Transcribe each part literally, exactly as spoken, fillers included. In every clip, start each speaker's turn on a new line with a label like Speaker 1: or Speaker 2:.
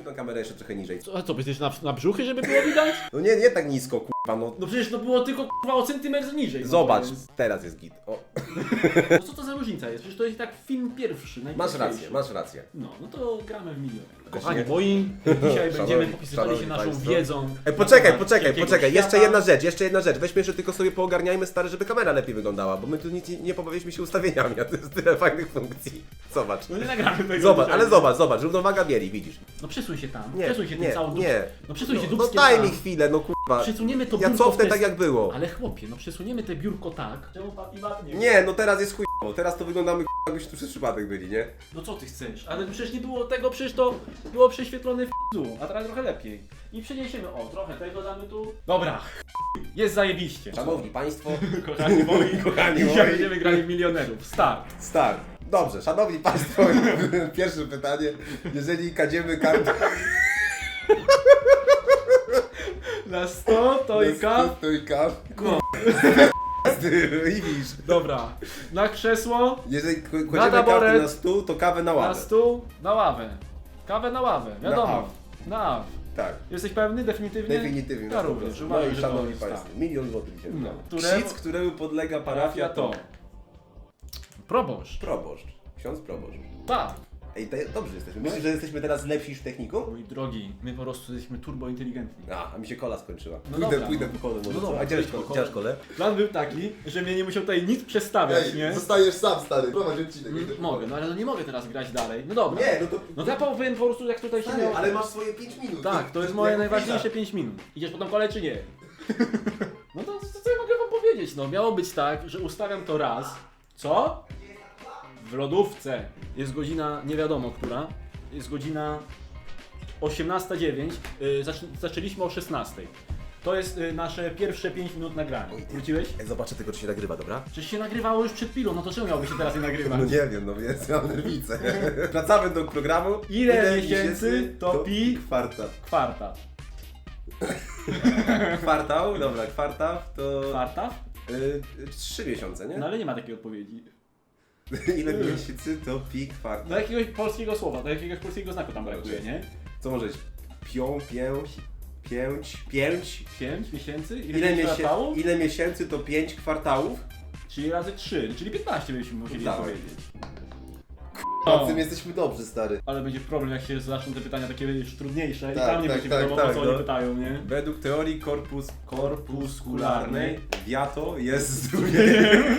Speaker 1: tą kamerę jeszcze trochę niżej.
Speaker 2: Co, a co, będziesz na, na brzuchy, żeby było widać?
Speaker 1: No nie, nie tak nisko, kurwa, no.
Speaker 2: No przecież to było tylko kurwa o centymetr niżej. No
Speaker 1: Zobacz,
Speaker 2: to jest-
Speaker 1: teraz jest git. O.
Speaker 2: No co to za różnica jest? Przecież to jest i tak film pierwszy,
Speaker 1: Masz
Speaker 2: najpierwszy.
Speaker 1: rację, masz rację.
Speaker 2: No, no to gramy w milion.
Speaker 1: Kochani
Speaker 2: moi, dzisiaj będziemy
Speaker 1: Szanowni-
Speaker 2: popisywali się
Speaker 1: szanowni
Speaker 2: naszą
Speaker 1: państwo.
Speaker 2: wiedzą.
Speaker 1: Ej, poczekaj,
Speaker 2: na
Speaker 1: poczekaj,
Speaker 2: wielkiego
Speaker 1: poczekaj, jeszcze
Speaker 2: świata.
Speaker 1: jedna rzecz, jeszcze jedna rzecz. Weźmy jeszcze tylko sobie poogarniajmy stary, żeby kamera lepiej wyglądała, bo my tu nic nie, nie pobawiliśmy się ustawieniami, a to jest tyle fajnych funkcji. Zobacz.
Speaker 2: No nie nagramy tego
Speaker 1: Zobacz,
Speaker 2: dzisiaj.
Speaker 1: ale zobacz, zobacz, równowaga bieli, widzisz.
Speaker 2: No przesuń się tam,
Speaker 1: Nie,
Speaker 2: przesuń się
Speaker 1: nie,
Speaker 2: tym całą
Speaker 1: nie.
Speaker 2: No przesuń się
Speaker 1: No
Speaker 2: dupskiem
Speaker 1: daj
Speaker 2: tam.
Speaker 1: mi chwilę, no kurwa.
Speaker 2: Przesuniemy to
Speaker 1: Ja
Speaker 2: biurko
Speaker 1: cofnę
Speaker 2: w te-
Speaker 1: tak jak było.
Speaker 2: Ale chłopie, no przesuniemy te biurko tak. Czemu papi ładnie?
Speaker 1: Nie, no teraz jest chujowo, teraz to wyglądamy kurwa, jakbyśmy tu przez przypadek byli, nie?
Speaker 2: No co ty chcesz? Ale przecież nie było tego, przecież to było prześwietlone w p***u, a teraz trochę lepiej. I przeniesiemy, o, trochę tego damy tu. Dobra, jest zajebiście.
Speaker 1: Szanowni Państwo,
Speaker 2: Kochani moi,
Speaker 1: kochani
Speaker 2: dzisiaj
Speaker 1: moi.
Speaker 2: będziemy grali w milionerów. Start.
Speaker 1: start. Dobrze, szanowni Państwo, pierwsze pytanie. Jeżeli kadziemy kartę...
Speaker 2: Na sto to i kaw.
Speaker 1: To i kaw.
Speaker 2: No.
Speaker 1: I widzisz.
Speaker 2: Dobra, na krzesło,
Speaker 1: Jeżeli k-
Speaker 2: Na
Speaker 1: kładziemy
Speaker 2: taboret.
Speaker 1: kartę na stół, to kawę na
Speaker 2: na
Speaker 1: ławę.
Speaker 2: stół, na ławę. Kawę na ławę, wiadomo.
Speaker 1: aw.
Speaker 2: Na aw.
Speaker 1: Tak,
Speaker 2: Jesteś pewny? Definitywnie?
Speaker 1: definitywnie.
Speaker 2: Ja
Speaker 1: na sto
Speaker 2: również.
Speaker 1: procent.
Speaker 2: Uważam,
Speaker 1: No i
Speaker 2: że to
Speaker 1: szanowni
Speaker 2: jest
Speaker 1: Państwo,
Speaker 2: tak.
Speaker 1: milion złotych dzisiaj.
Speaker 2: No,
Speaker 1: No,
Speaker 2: któremu-
Speaker 1: Ksic, któremu podlega parafia to
Speaker 2: Proboszcz.
Speaker 1: proboszcz. Ksiądz proboszcz.
Speaker 2: Tak.
Speaker 1: Ej, te, dobrze jesteśmy. Myślisz, że jesteśmy teraz lepsi niż w techniku?
Speaker 2: Mój drogi, my po prostu jesteśmy turbo inteligentni.
Speaker 1: A, a mi się kola skończyła.
Speaker 2: No
Speaker 1: pójdę,
Speaker 2: dobra,
Speaker 1: pójdę
Speaker 2: no.
Speaker 1: po kolę może.
Speaker 2: No
Speaker 1: co?
Speaker 2: dobra,
Speaker 1: A gdzie masz
Speaker 2: pójdź po
Speaker 1: kolę? Gdzie masz
Speaker 2: kolę.
Speaker 1: kolę?
Speaker 2: Plan był taki, że mnie nie musiał tutaj nic przestawiać, nie?
Speaker 1: zostajesz sam stary, prowadź odcinek.
Speaker 2: Mm, Mogę, no ale no nie mogę teraz grać dalej. No dobra.
Speaker 1: Nie, no to...
Speaker 2: No to ja powiem po prostu jak tutaj się
Speaker 1: Stary,
Speaker 2: miało.
Speaker 1: ale masz swoje pięć minut.
Speaker 2: Tak, to jest moje
Speaker 1: jak
Speaker 2: najważniejsze pięć minut. Idziesz po tą kolej czy nie? No to co co ja mogę wam powiedzieć? No miało być tak, że ustawiam to raz. Co? W lodówce. Jest godzina nie wiadomo która. Jest godzina osiemnasta dziewięć. Yy, zac zaczęliśmy o szesnastej. To jest y, nasze pierwsze pięć minut nagrania. Wróciłeś?
Speaker 1: Ej, zobaczę tylko, czy się nagrywa, dobra?
Speaker 2: Przecież się nagrywało już przed chwilą, no to czemu miałby się teraz nie nagrywać?
Speaker 1: No nie wiem, no więc mam nerwicę. Wracamy do programu.
Speaker 2: Ile miesięcy to pi-
Speaker 1: Kwartał.
Speaker 2: Kwarta.
Speaker 1: Kwartał, dobra, kwartał to...
Speaker 2: Kwarta?
Speaker 1: Y, trzy miesiące, nie?
Speaker 2: No ale nie ma takiej odpowiedzi.
Speaker 1: Ile miesięcy to pi kwartał?
Speaker 2: Do jakiegoś polskiego słowa, do jakiegoś polskiego znaku tam brakuje, nie?
Speaker 1: Co może być? Pią, pięć, pięć, pięć.
Speaker 2: pięć miesięcy? Ile,
Speaker 1: Ile,
Speaker 2: miesięcy
Speaker 1: miesię...
Speaker 2: kwartałów?
Speaker 1: Ile miesięcy to pięć kwartałów?
Speaker 2: Czyli razy trzy, czyli piętnaście byśmy musieli
Speaker 1: Dawaj.
Speaker 2: powiedzieć.
Speaker 1: O tym jesteśmy dobrzy, stary.
Speaker 2: Ale będzie problem, jak się zaczną te pytania takie już trudniejsze i
Speaker 1: Tak,
Speaker 2: tam nie
Speaker 1: tak,
Speaker 2: będzie
Speaker 1: tak,
Speaker 2: wiadomo,
Speaker 1: tak,
Speaker 2: o co
Speaker 1: no.
Speaker 2: oni pytają, nie?
Speaker 1: Według teorii korpus
Speaker 2: Korpuskularnej
Speaker 1: wiato jest zdrowieniem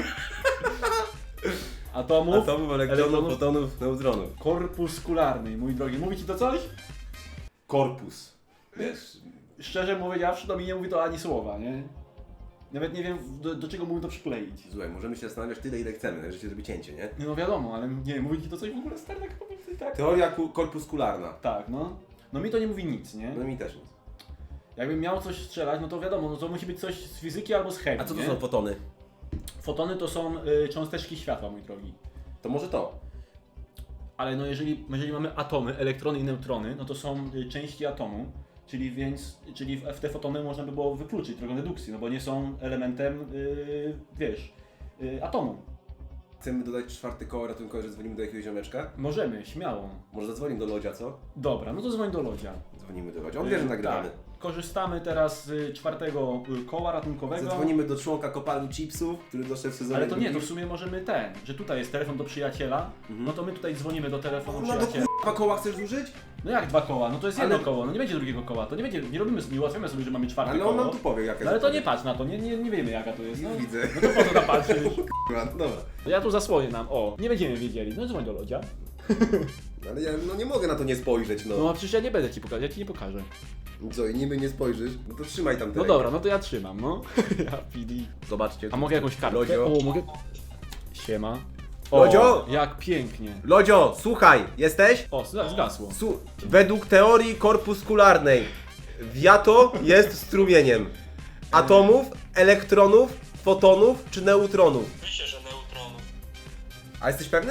Speaker 2: Atomów,
Speaker 1: atomów, elektronów,
Speaker 2: elektronów.
Speaker 1: fotonów, neutronów.
Speaker 2: korpuskularnej, mój drogi. Mówi ci to coś?
Speaker 1: Korpus. Wiesz?
Speaker 2: Szczerze powiedziawszy, to mi nie mówi to ani słowa, nie? Nawet nie wiem, do, do czego mógł to przykleić.
Speaker 1: Słuchaj, możemy się zastanawiać tyle, ile chcemy, że się zrobi cięcie, nie?
Speaker 2: Nie, no wiadomo, ale nie, mówi ci to coś w ogóle stary, tak powiem ci tak?
Speaker 1: Teoria ku- korpuskularna.
Speaker 2: Tak, no. No mi to nie mówi nic, nie?
Speaker 1: No mi też nic.
Speaker 2: Jakbym miał coś strzelać, no to wiadomo, no to musi być coś z fizyki albo z chemii,
Speaker 1: A co to
Speaker 2: nie?
Speaker 1: są fotony?
Speaker 2: Fotony to są y, cząsteczki światła, mój drogi.
Speaker 1: To może to.
Speaker 2: Ale no jeżeli, jeżeli mamy atomy, elektrony i neutrony, no to są y, części atomu, czyli więc, czyli w, w te fotony można by było wykluczyć drogą dedukcji, no bo nie są elementem, y, wiesz, y, atomu.
Speaker 1: Chcemy dodać czwarte koło ratunkowe, że dzwonimy do jakiegoś ziomeczka?
Speaker 2: Możemy, śmiało.
Speaker 1: Może zadzwonimy do Lodzia, co?
Speaker 2: Dobra, no to dzwoń do Lodzia.
Speaker 1: Dzwonimy do Lodzia. On wie, że nagramy.
Speaker 2: Tak. Korzystamy teraz z czwartego y, koła ratunkowego.
Speaker 1: Zadzwonimy do członka kopalni chipsów, który doszedł w sezonie
Speaker 2: Ale to nie, to w
Speaker 1: drugim.
Speaker 2: sumie możemy ten, że tutaj jest telefon do przyjaciela,
Speaker 1: Mhm.
Speaker 2: no to my tutaj dzwonimy do telefonu
Speaker 1: No do
Speaker 2: przyjaciela.
Speaker 1: dwa koła chcesz zużyć?
Speaker 2: No jak dwa koła? No to jest
Speaker 1: Ale-
Speaker 2: jedno koło, no nie będzie drugiego koła, to nie będzie, nie robimy, nie ułatwiamy sobie, że mamy czwarte
Speaker 1: Ale
Speaker 2: koło.
Speaker 1: on nam tu powie, jaka
Speaker 2: No ale
Speaker 1: jest
Speaker 2: to nie
Speaker 1: odpowiedź.
Speaker 2: patrz na to, nie, nie, nie wiemy jaka to jest. No,
Speaker 1: Nie widzę.
Speaker 2: no to po co tam patrzysz?
Speaker 1: Kurwa, no dobra.
Speaker 2: No ja tu zasłonię nam, o, nie będziemy wiedzieli, no dzwoń do Lodzia.
Speaker 1: Ale ja no nie mogę na to nie spojrzeć, no.
Speaker 2: No a przecież ja nie będę ci pokazać, ja ci nie pokażę.
Speaker 1: Co, i niby nie spojrzysz? No to trzymaj tam
Speaker 2: No
Speaker 1: telefon.
Speaker 2: dobra, no to ja trzymam, no. Ja P D.
Speaker 1: Zobaczcie.
Speaker 2: A mogę jakąś kartkę?
Speaker 1: Lodzio.
Speaker 2: O, mogę... Siema.
Speaker 1: Lodzio!
Speaker 2: O, jak pięknie.
Speaker 1: Lodzio, słuchaj, jesteś?
Speaker 2: O, zga- zgasło.
Speaker 1: Su według teorii korpuskularnej wiato jest strumieniem atomów, elektronów, fotonów czy neutronów.
Speaker 3: Myślę, że neutronów.
Speaker 1: A jesteś pewny?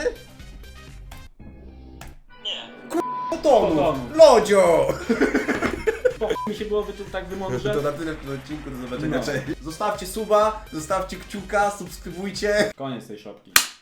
Speaker 3: Nie.
Speaker 1: Fotonów!
Speaker 2: Fotonów.
Speaker 1: Lodzio!
Speaker 2: Po mi się było wy tu tak wymądrze.
Speaker 1: To na tyle w tym odcinku, do zobaczenia,
Speaker 2: No.
Speaker 1: cześć. Zostawcie suba, zostawcie kciuka, subskrybujcie.
Speaker 2: Koniec tej szopki.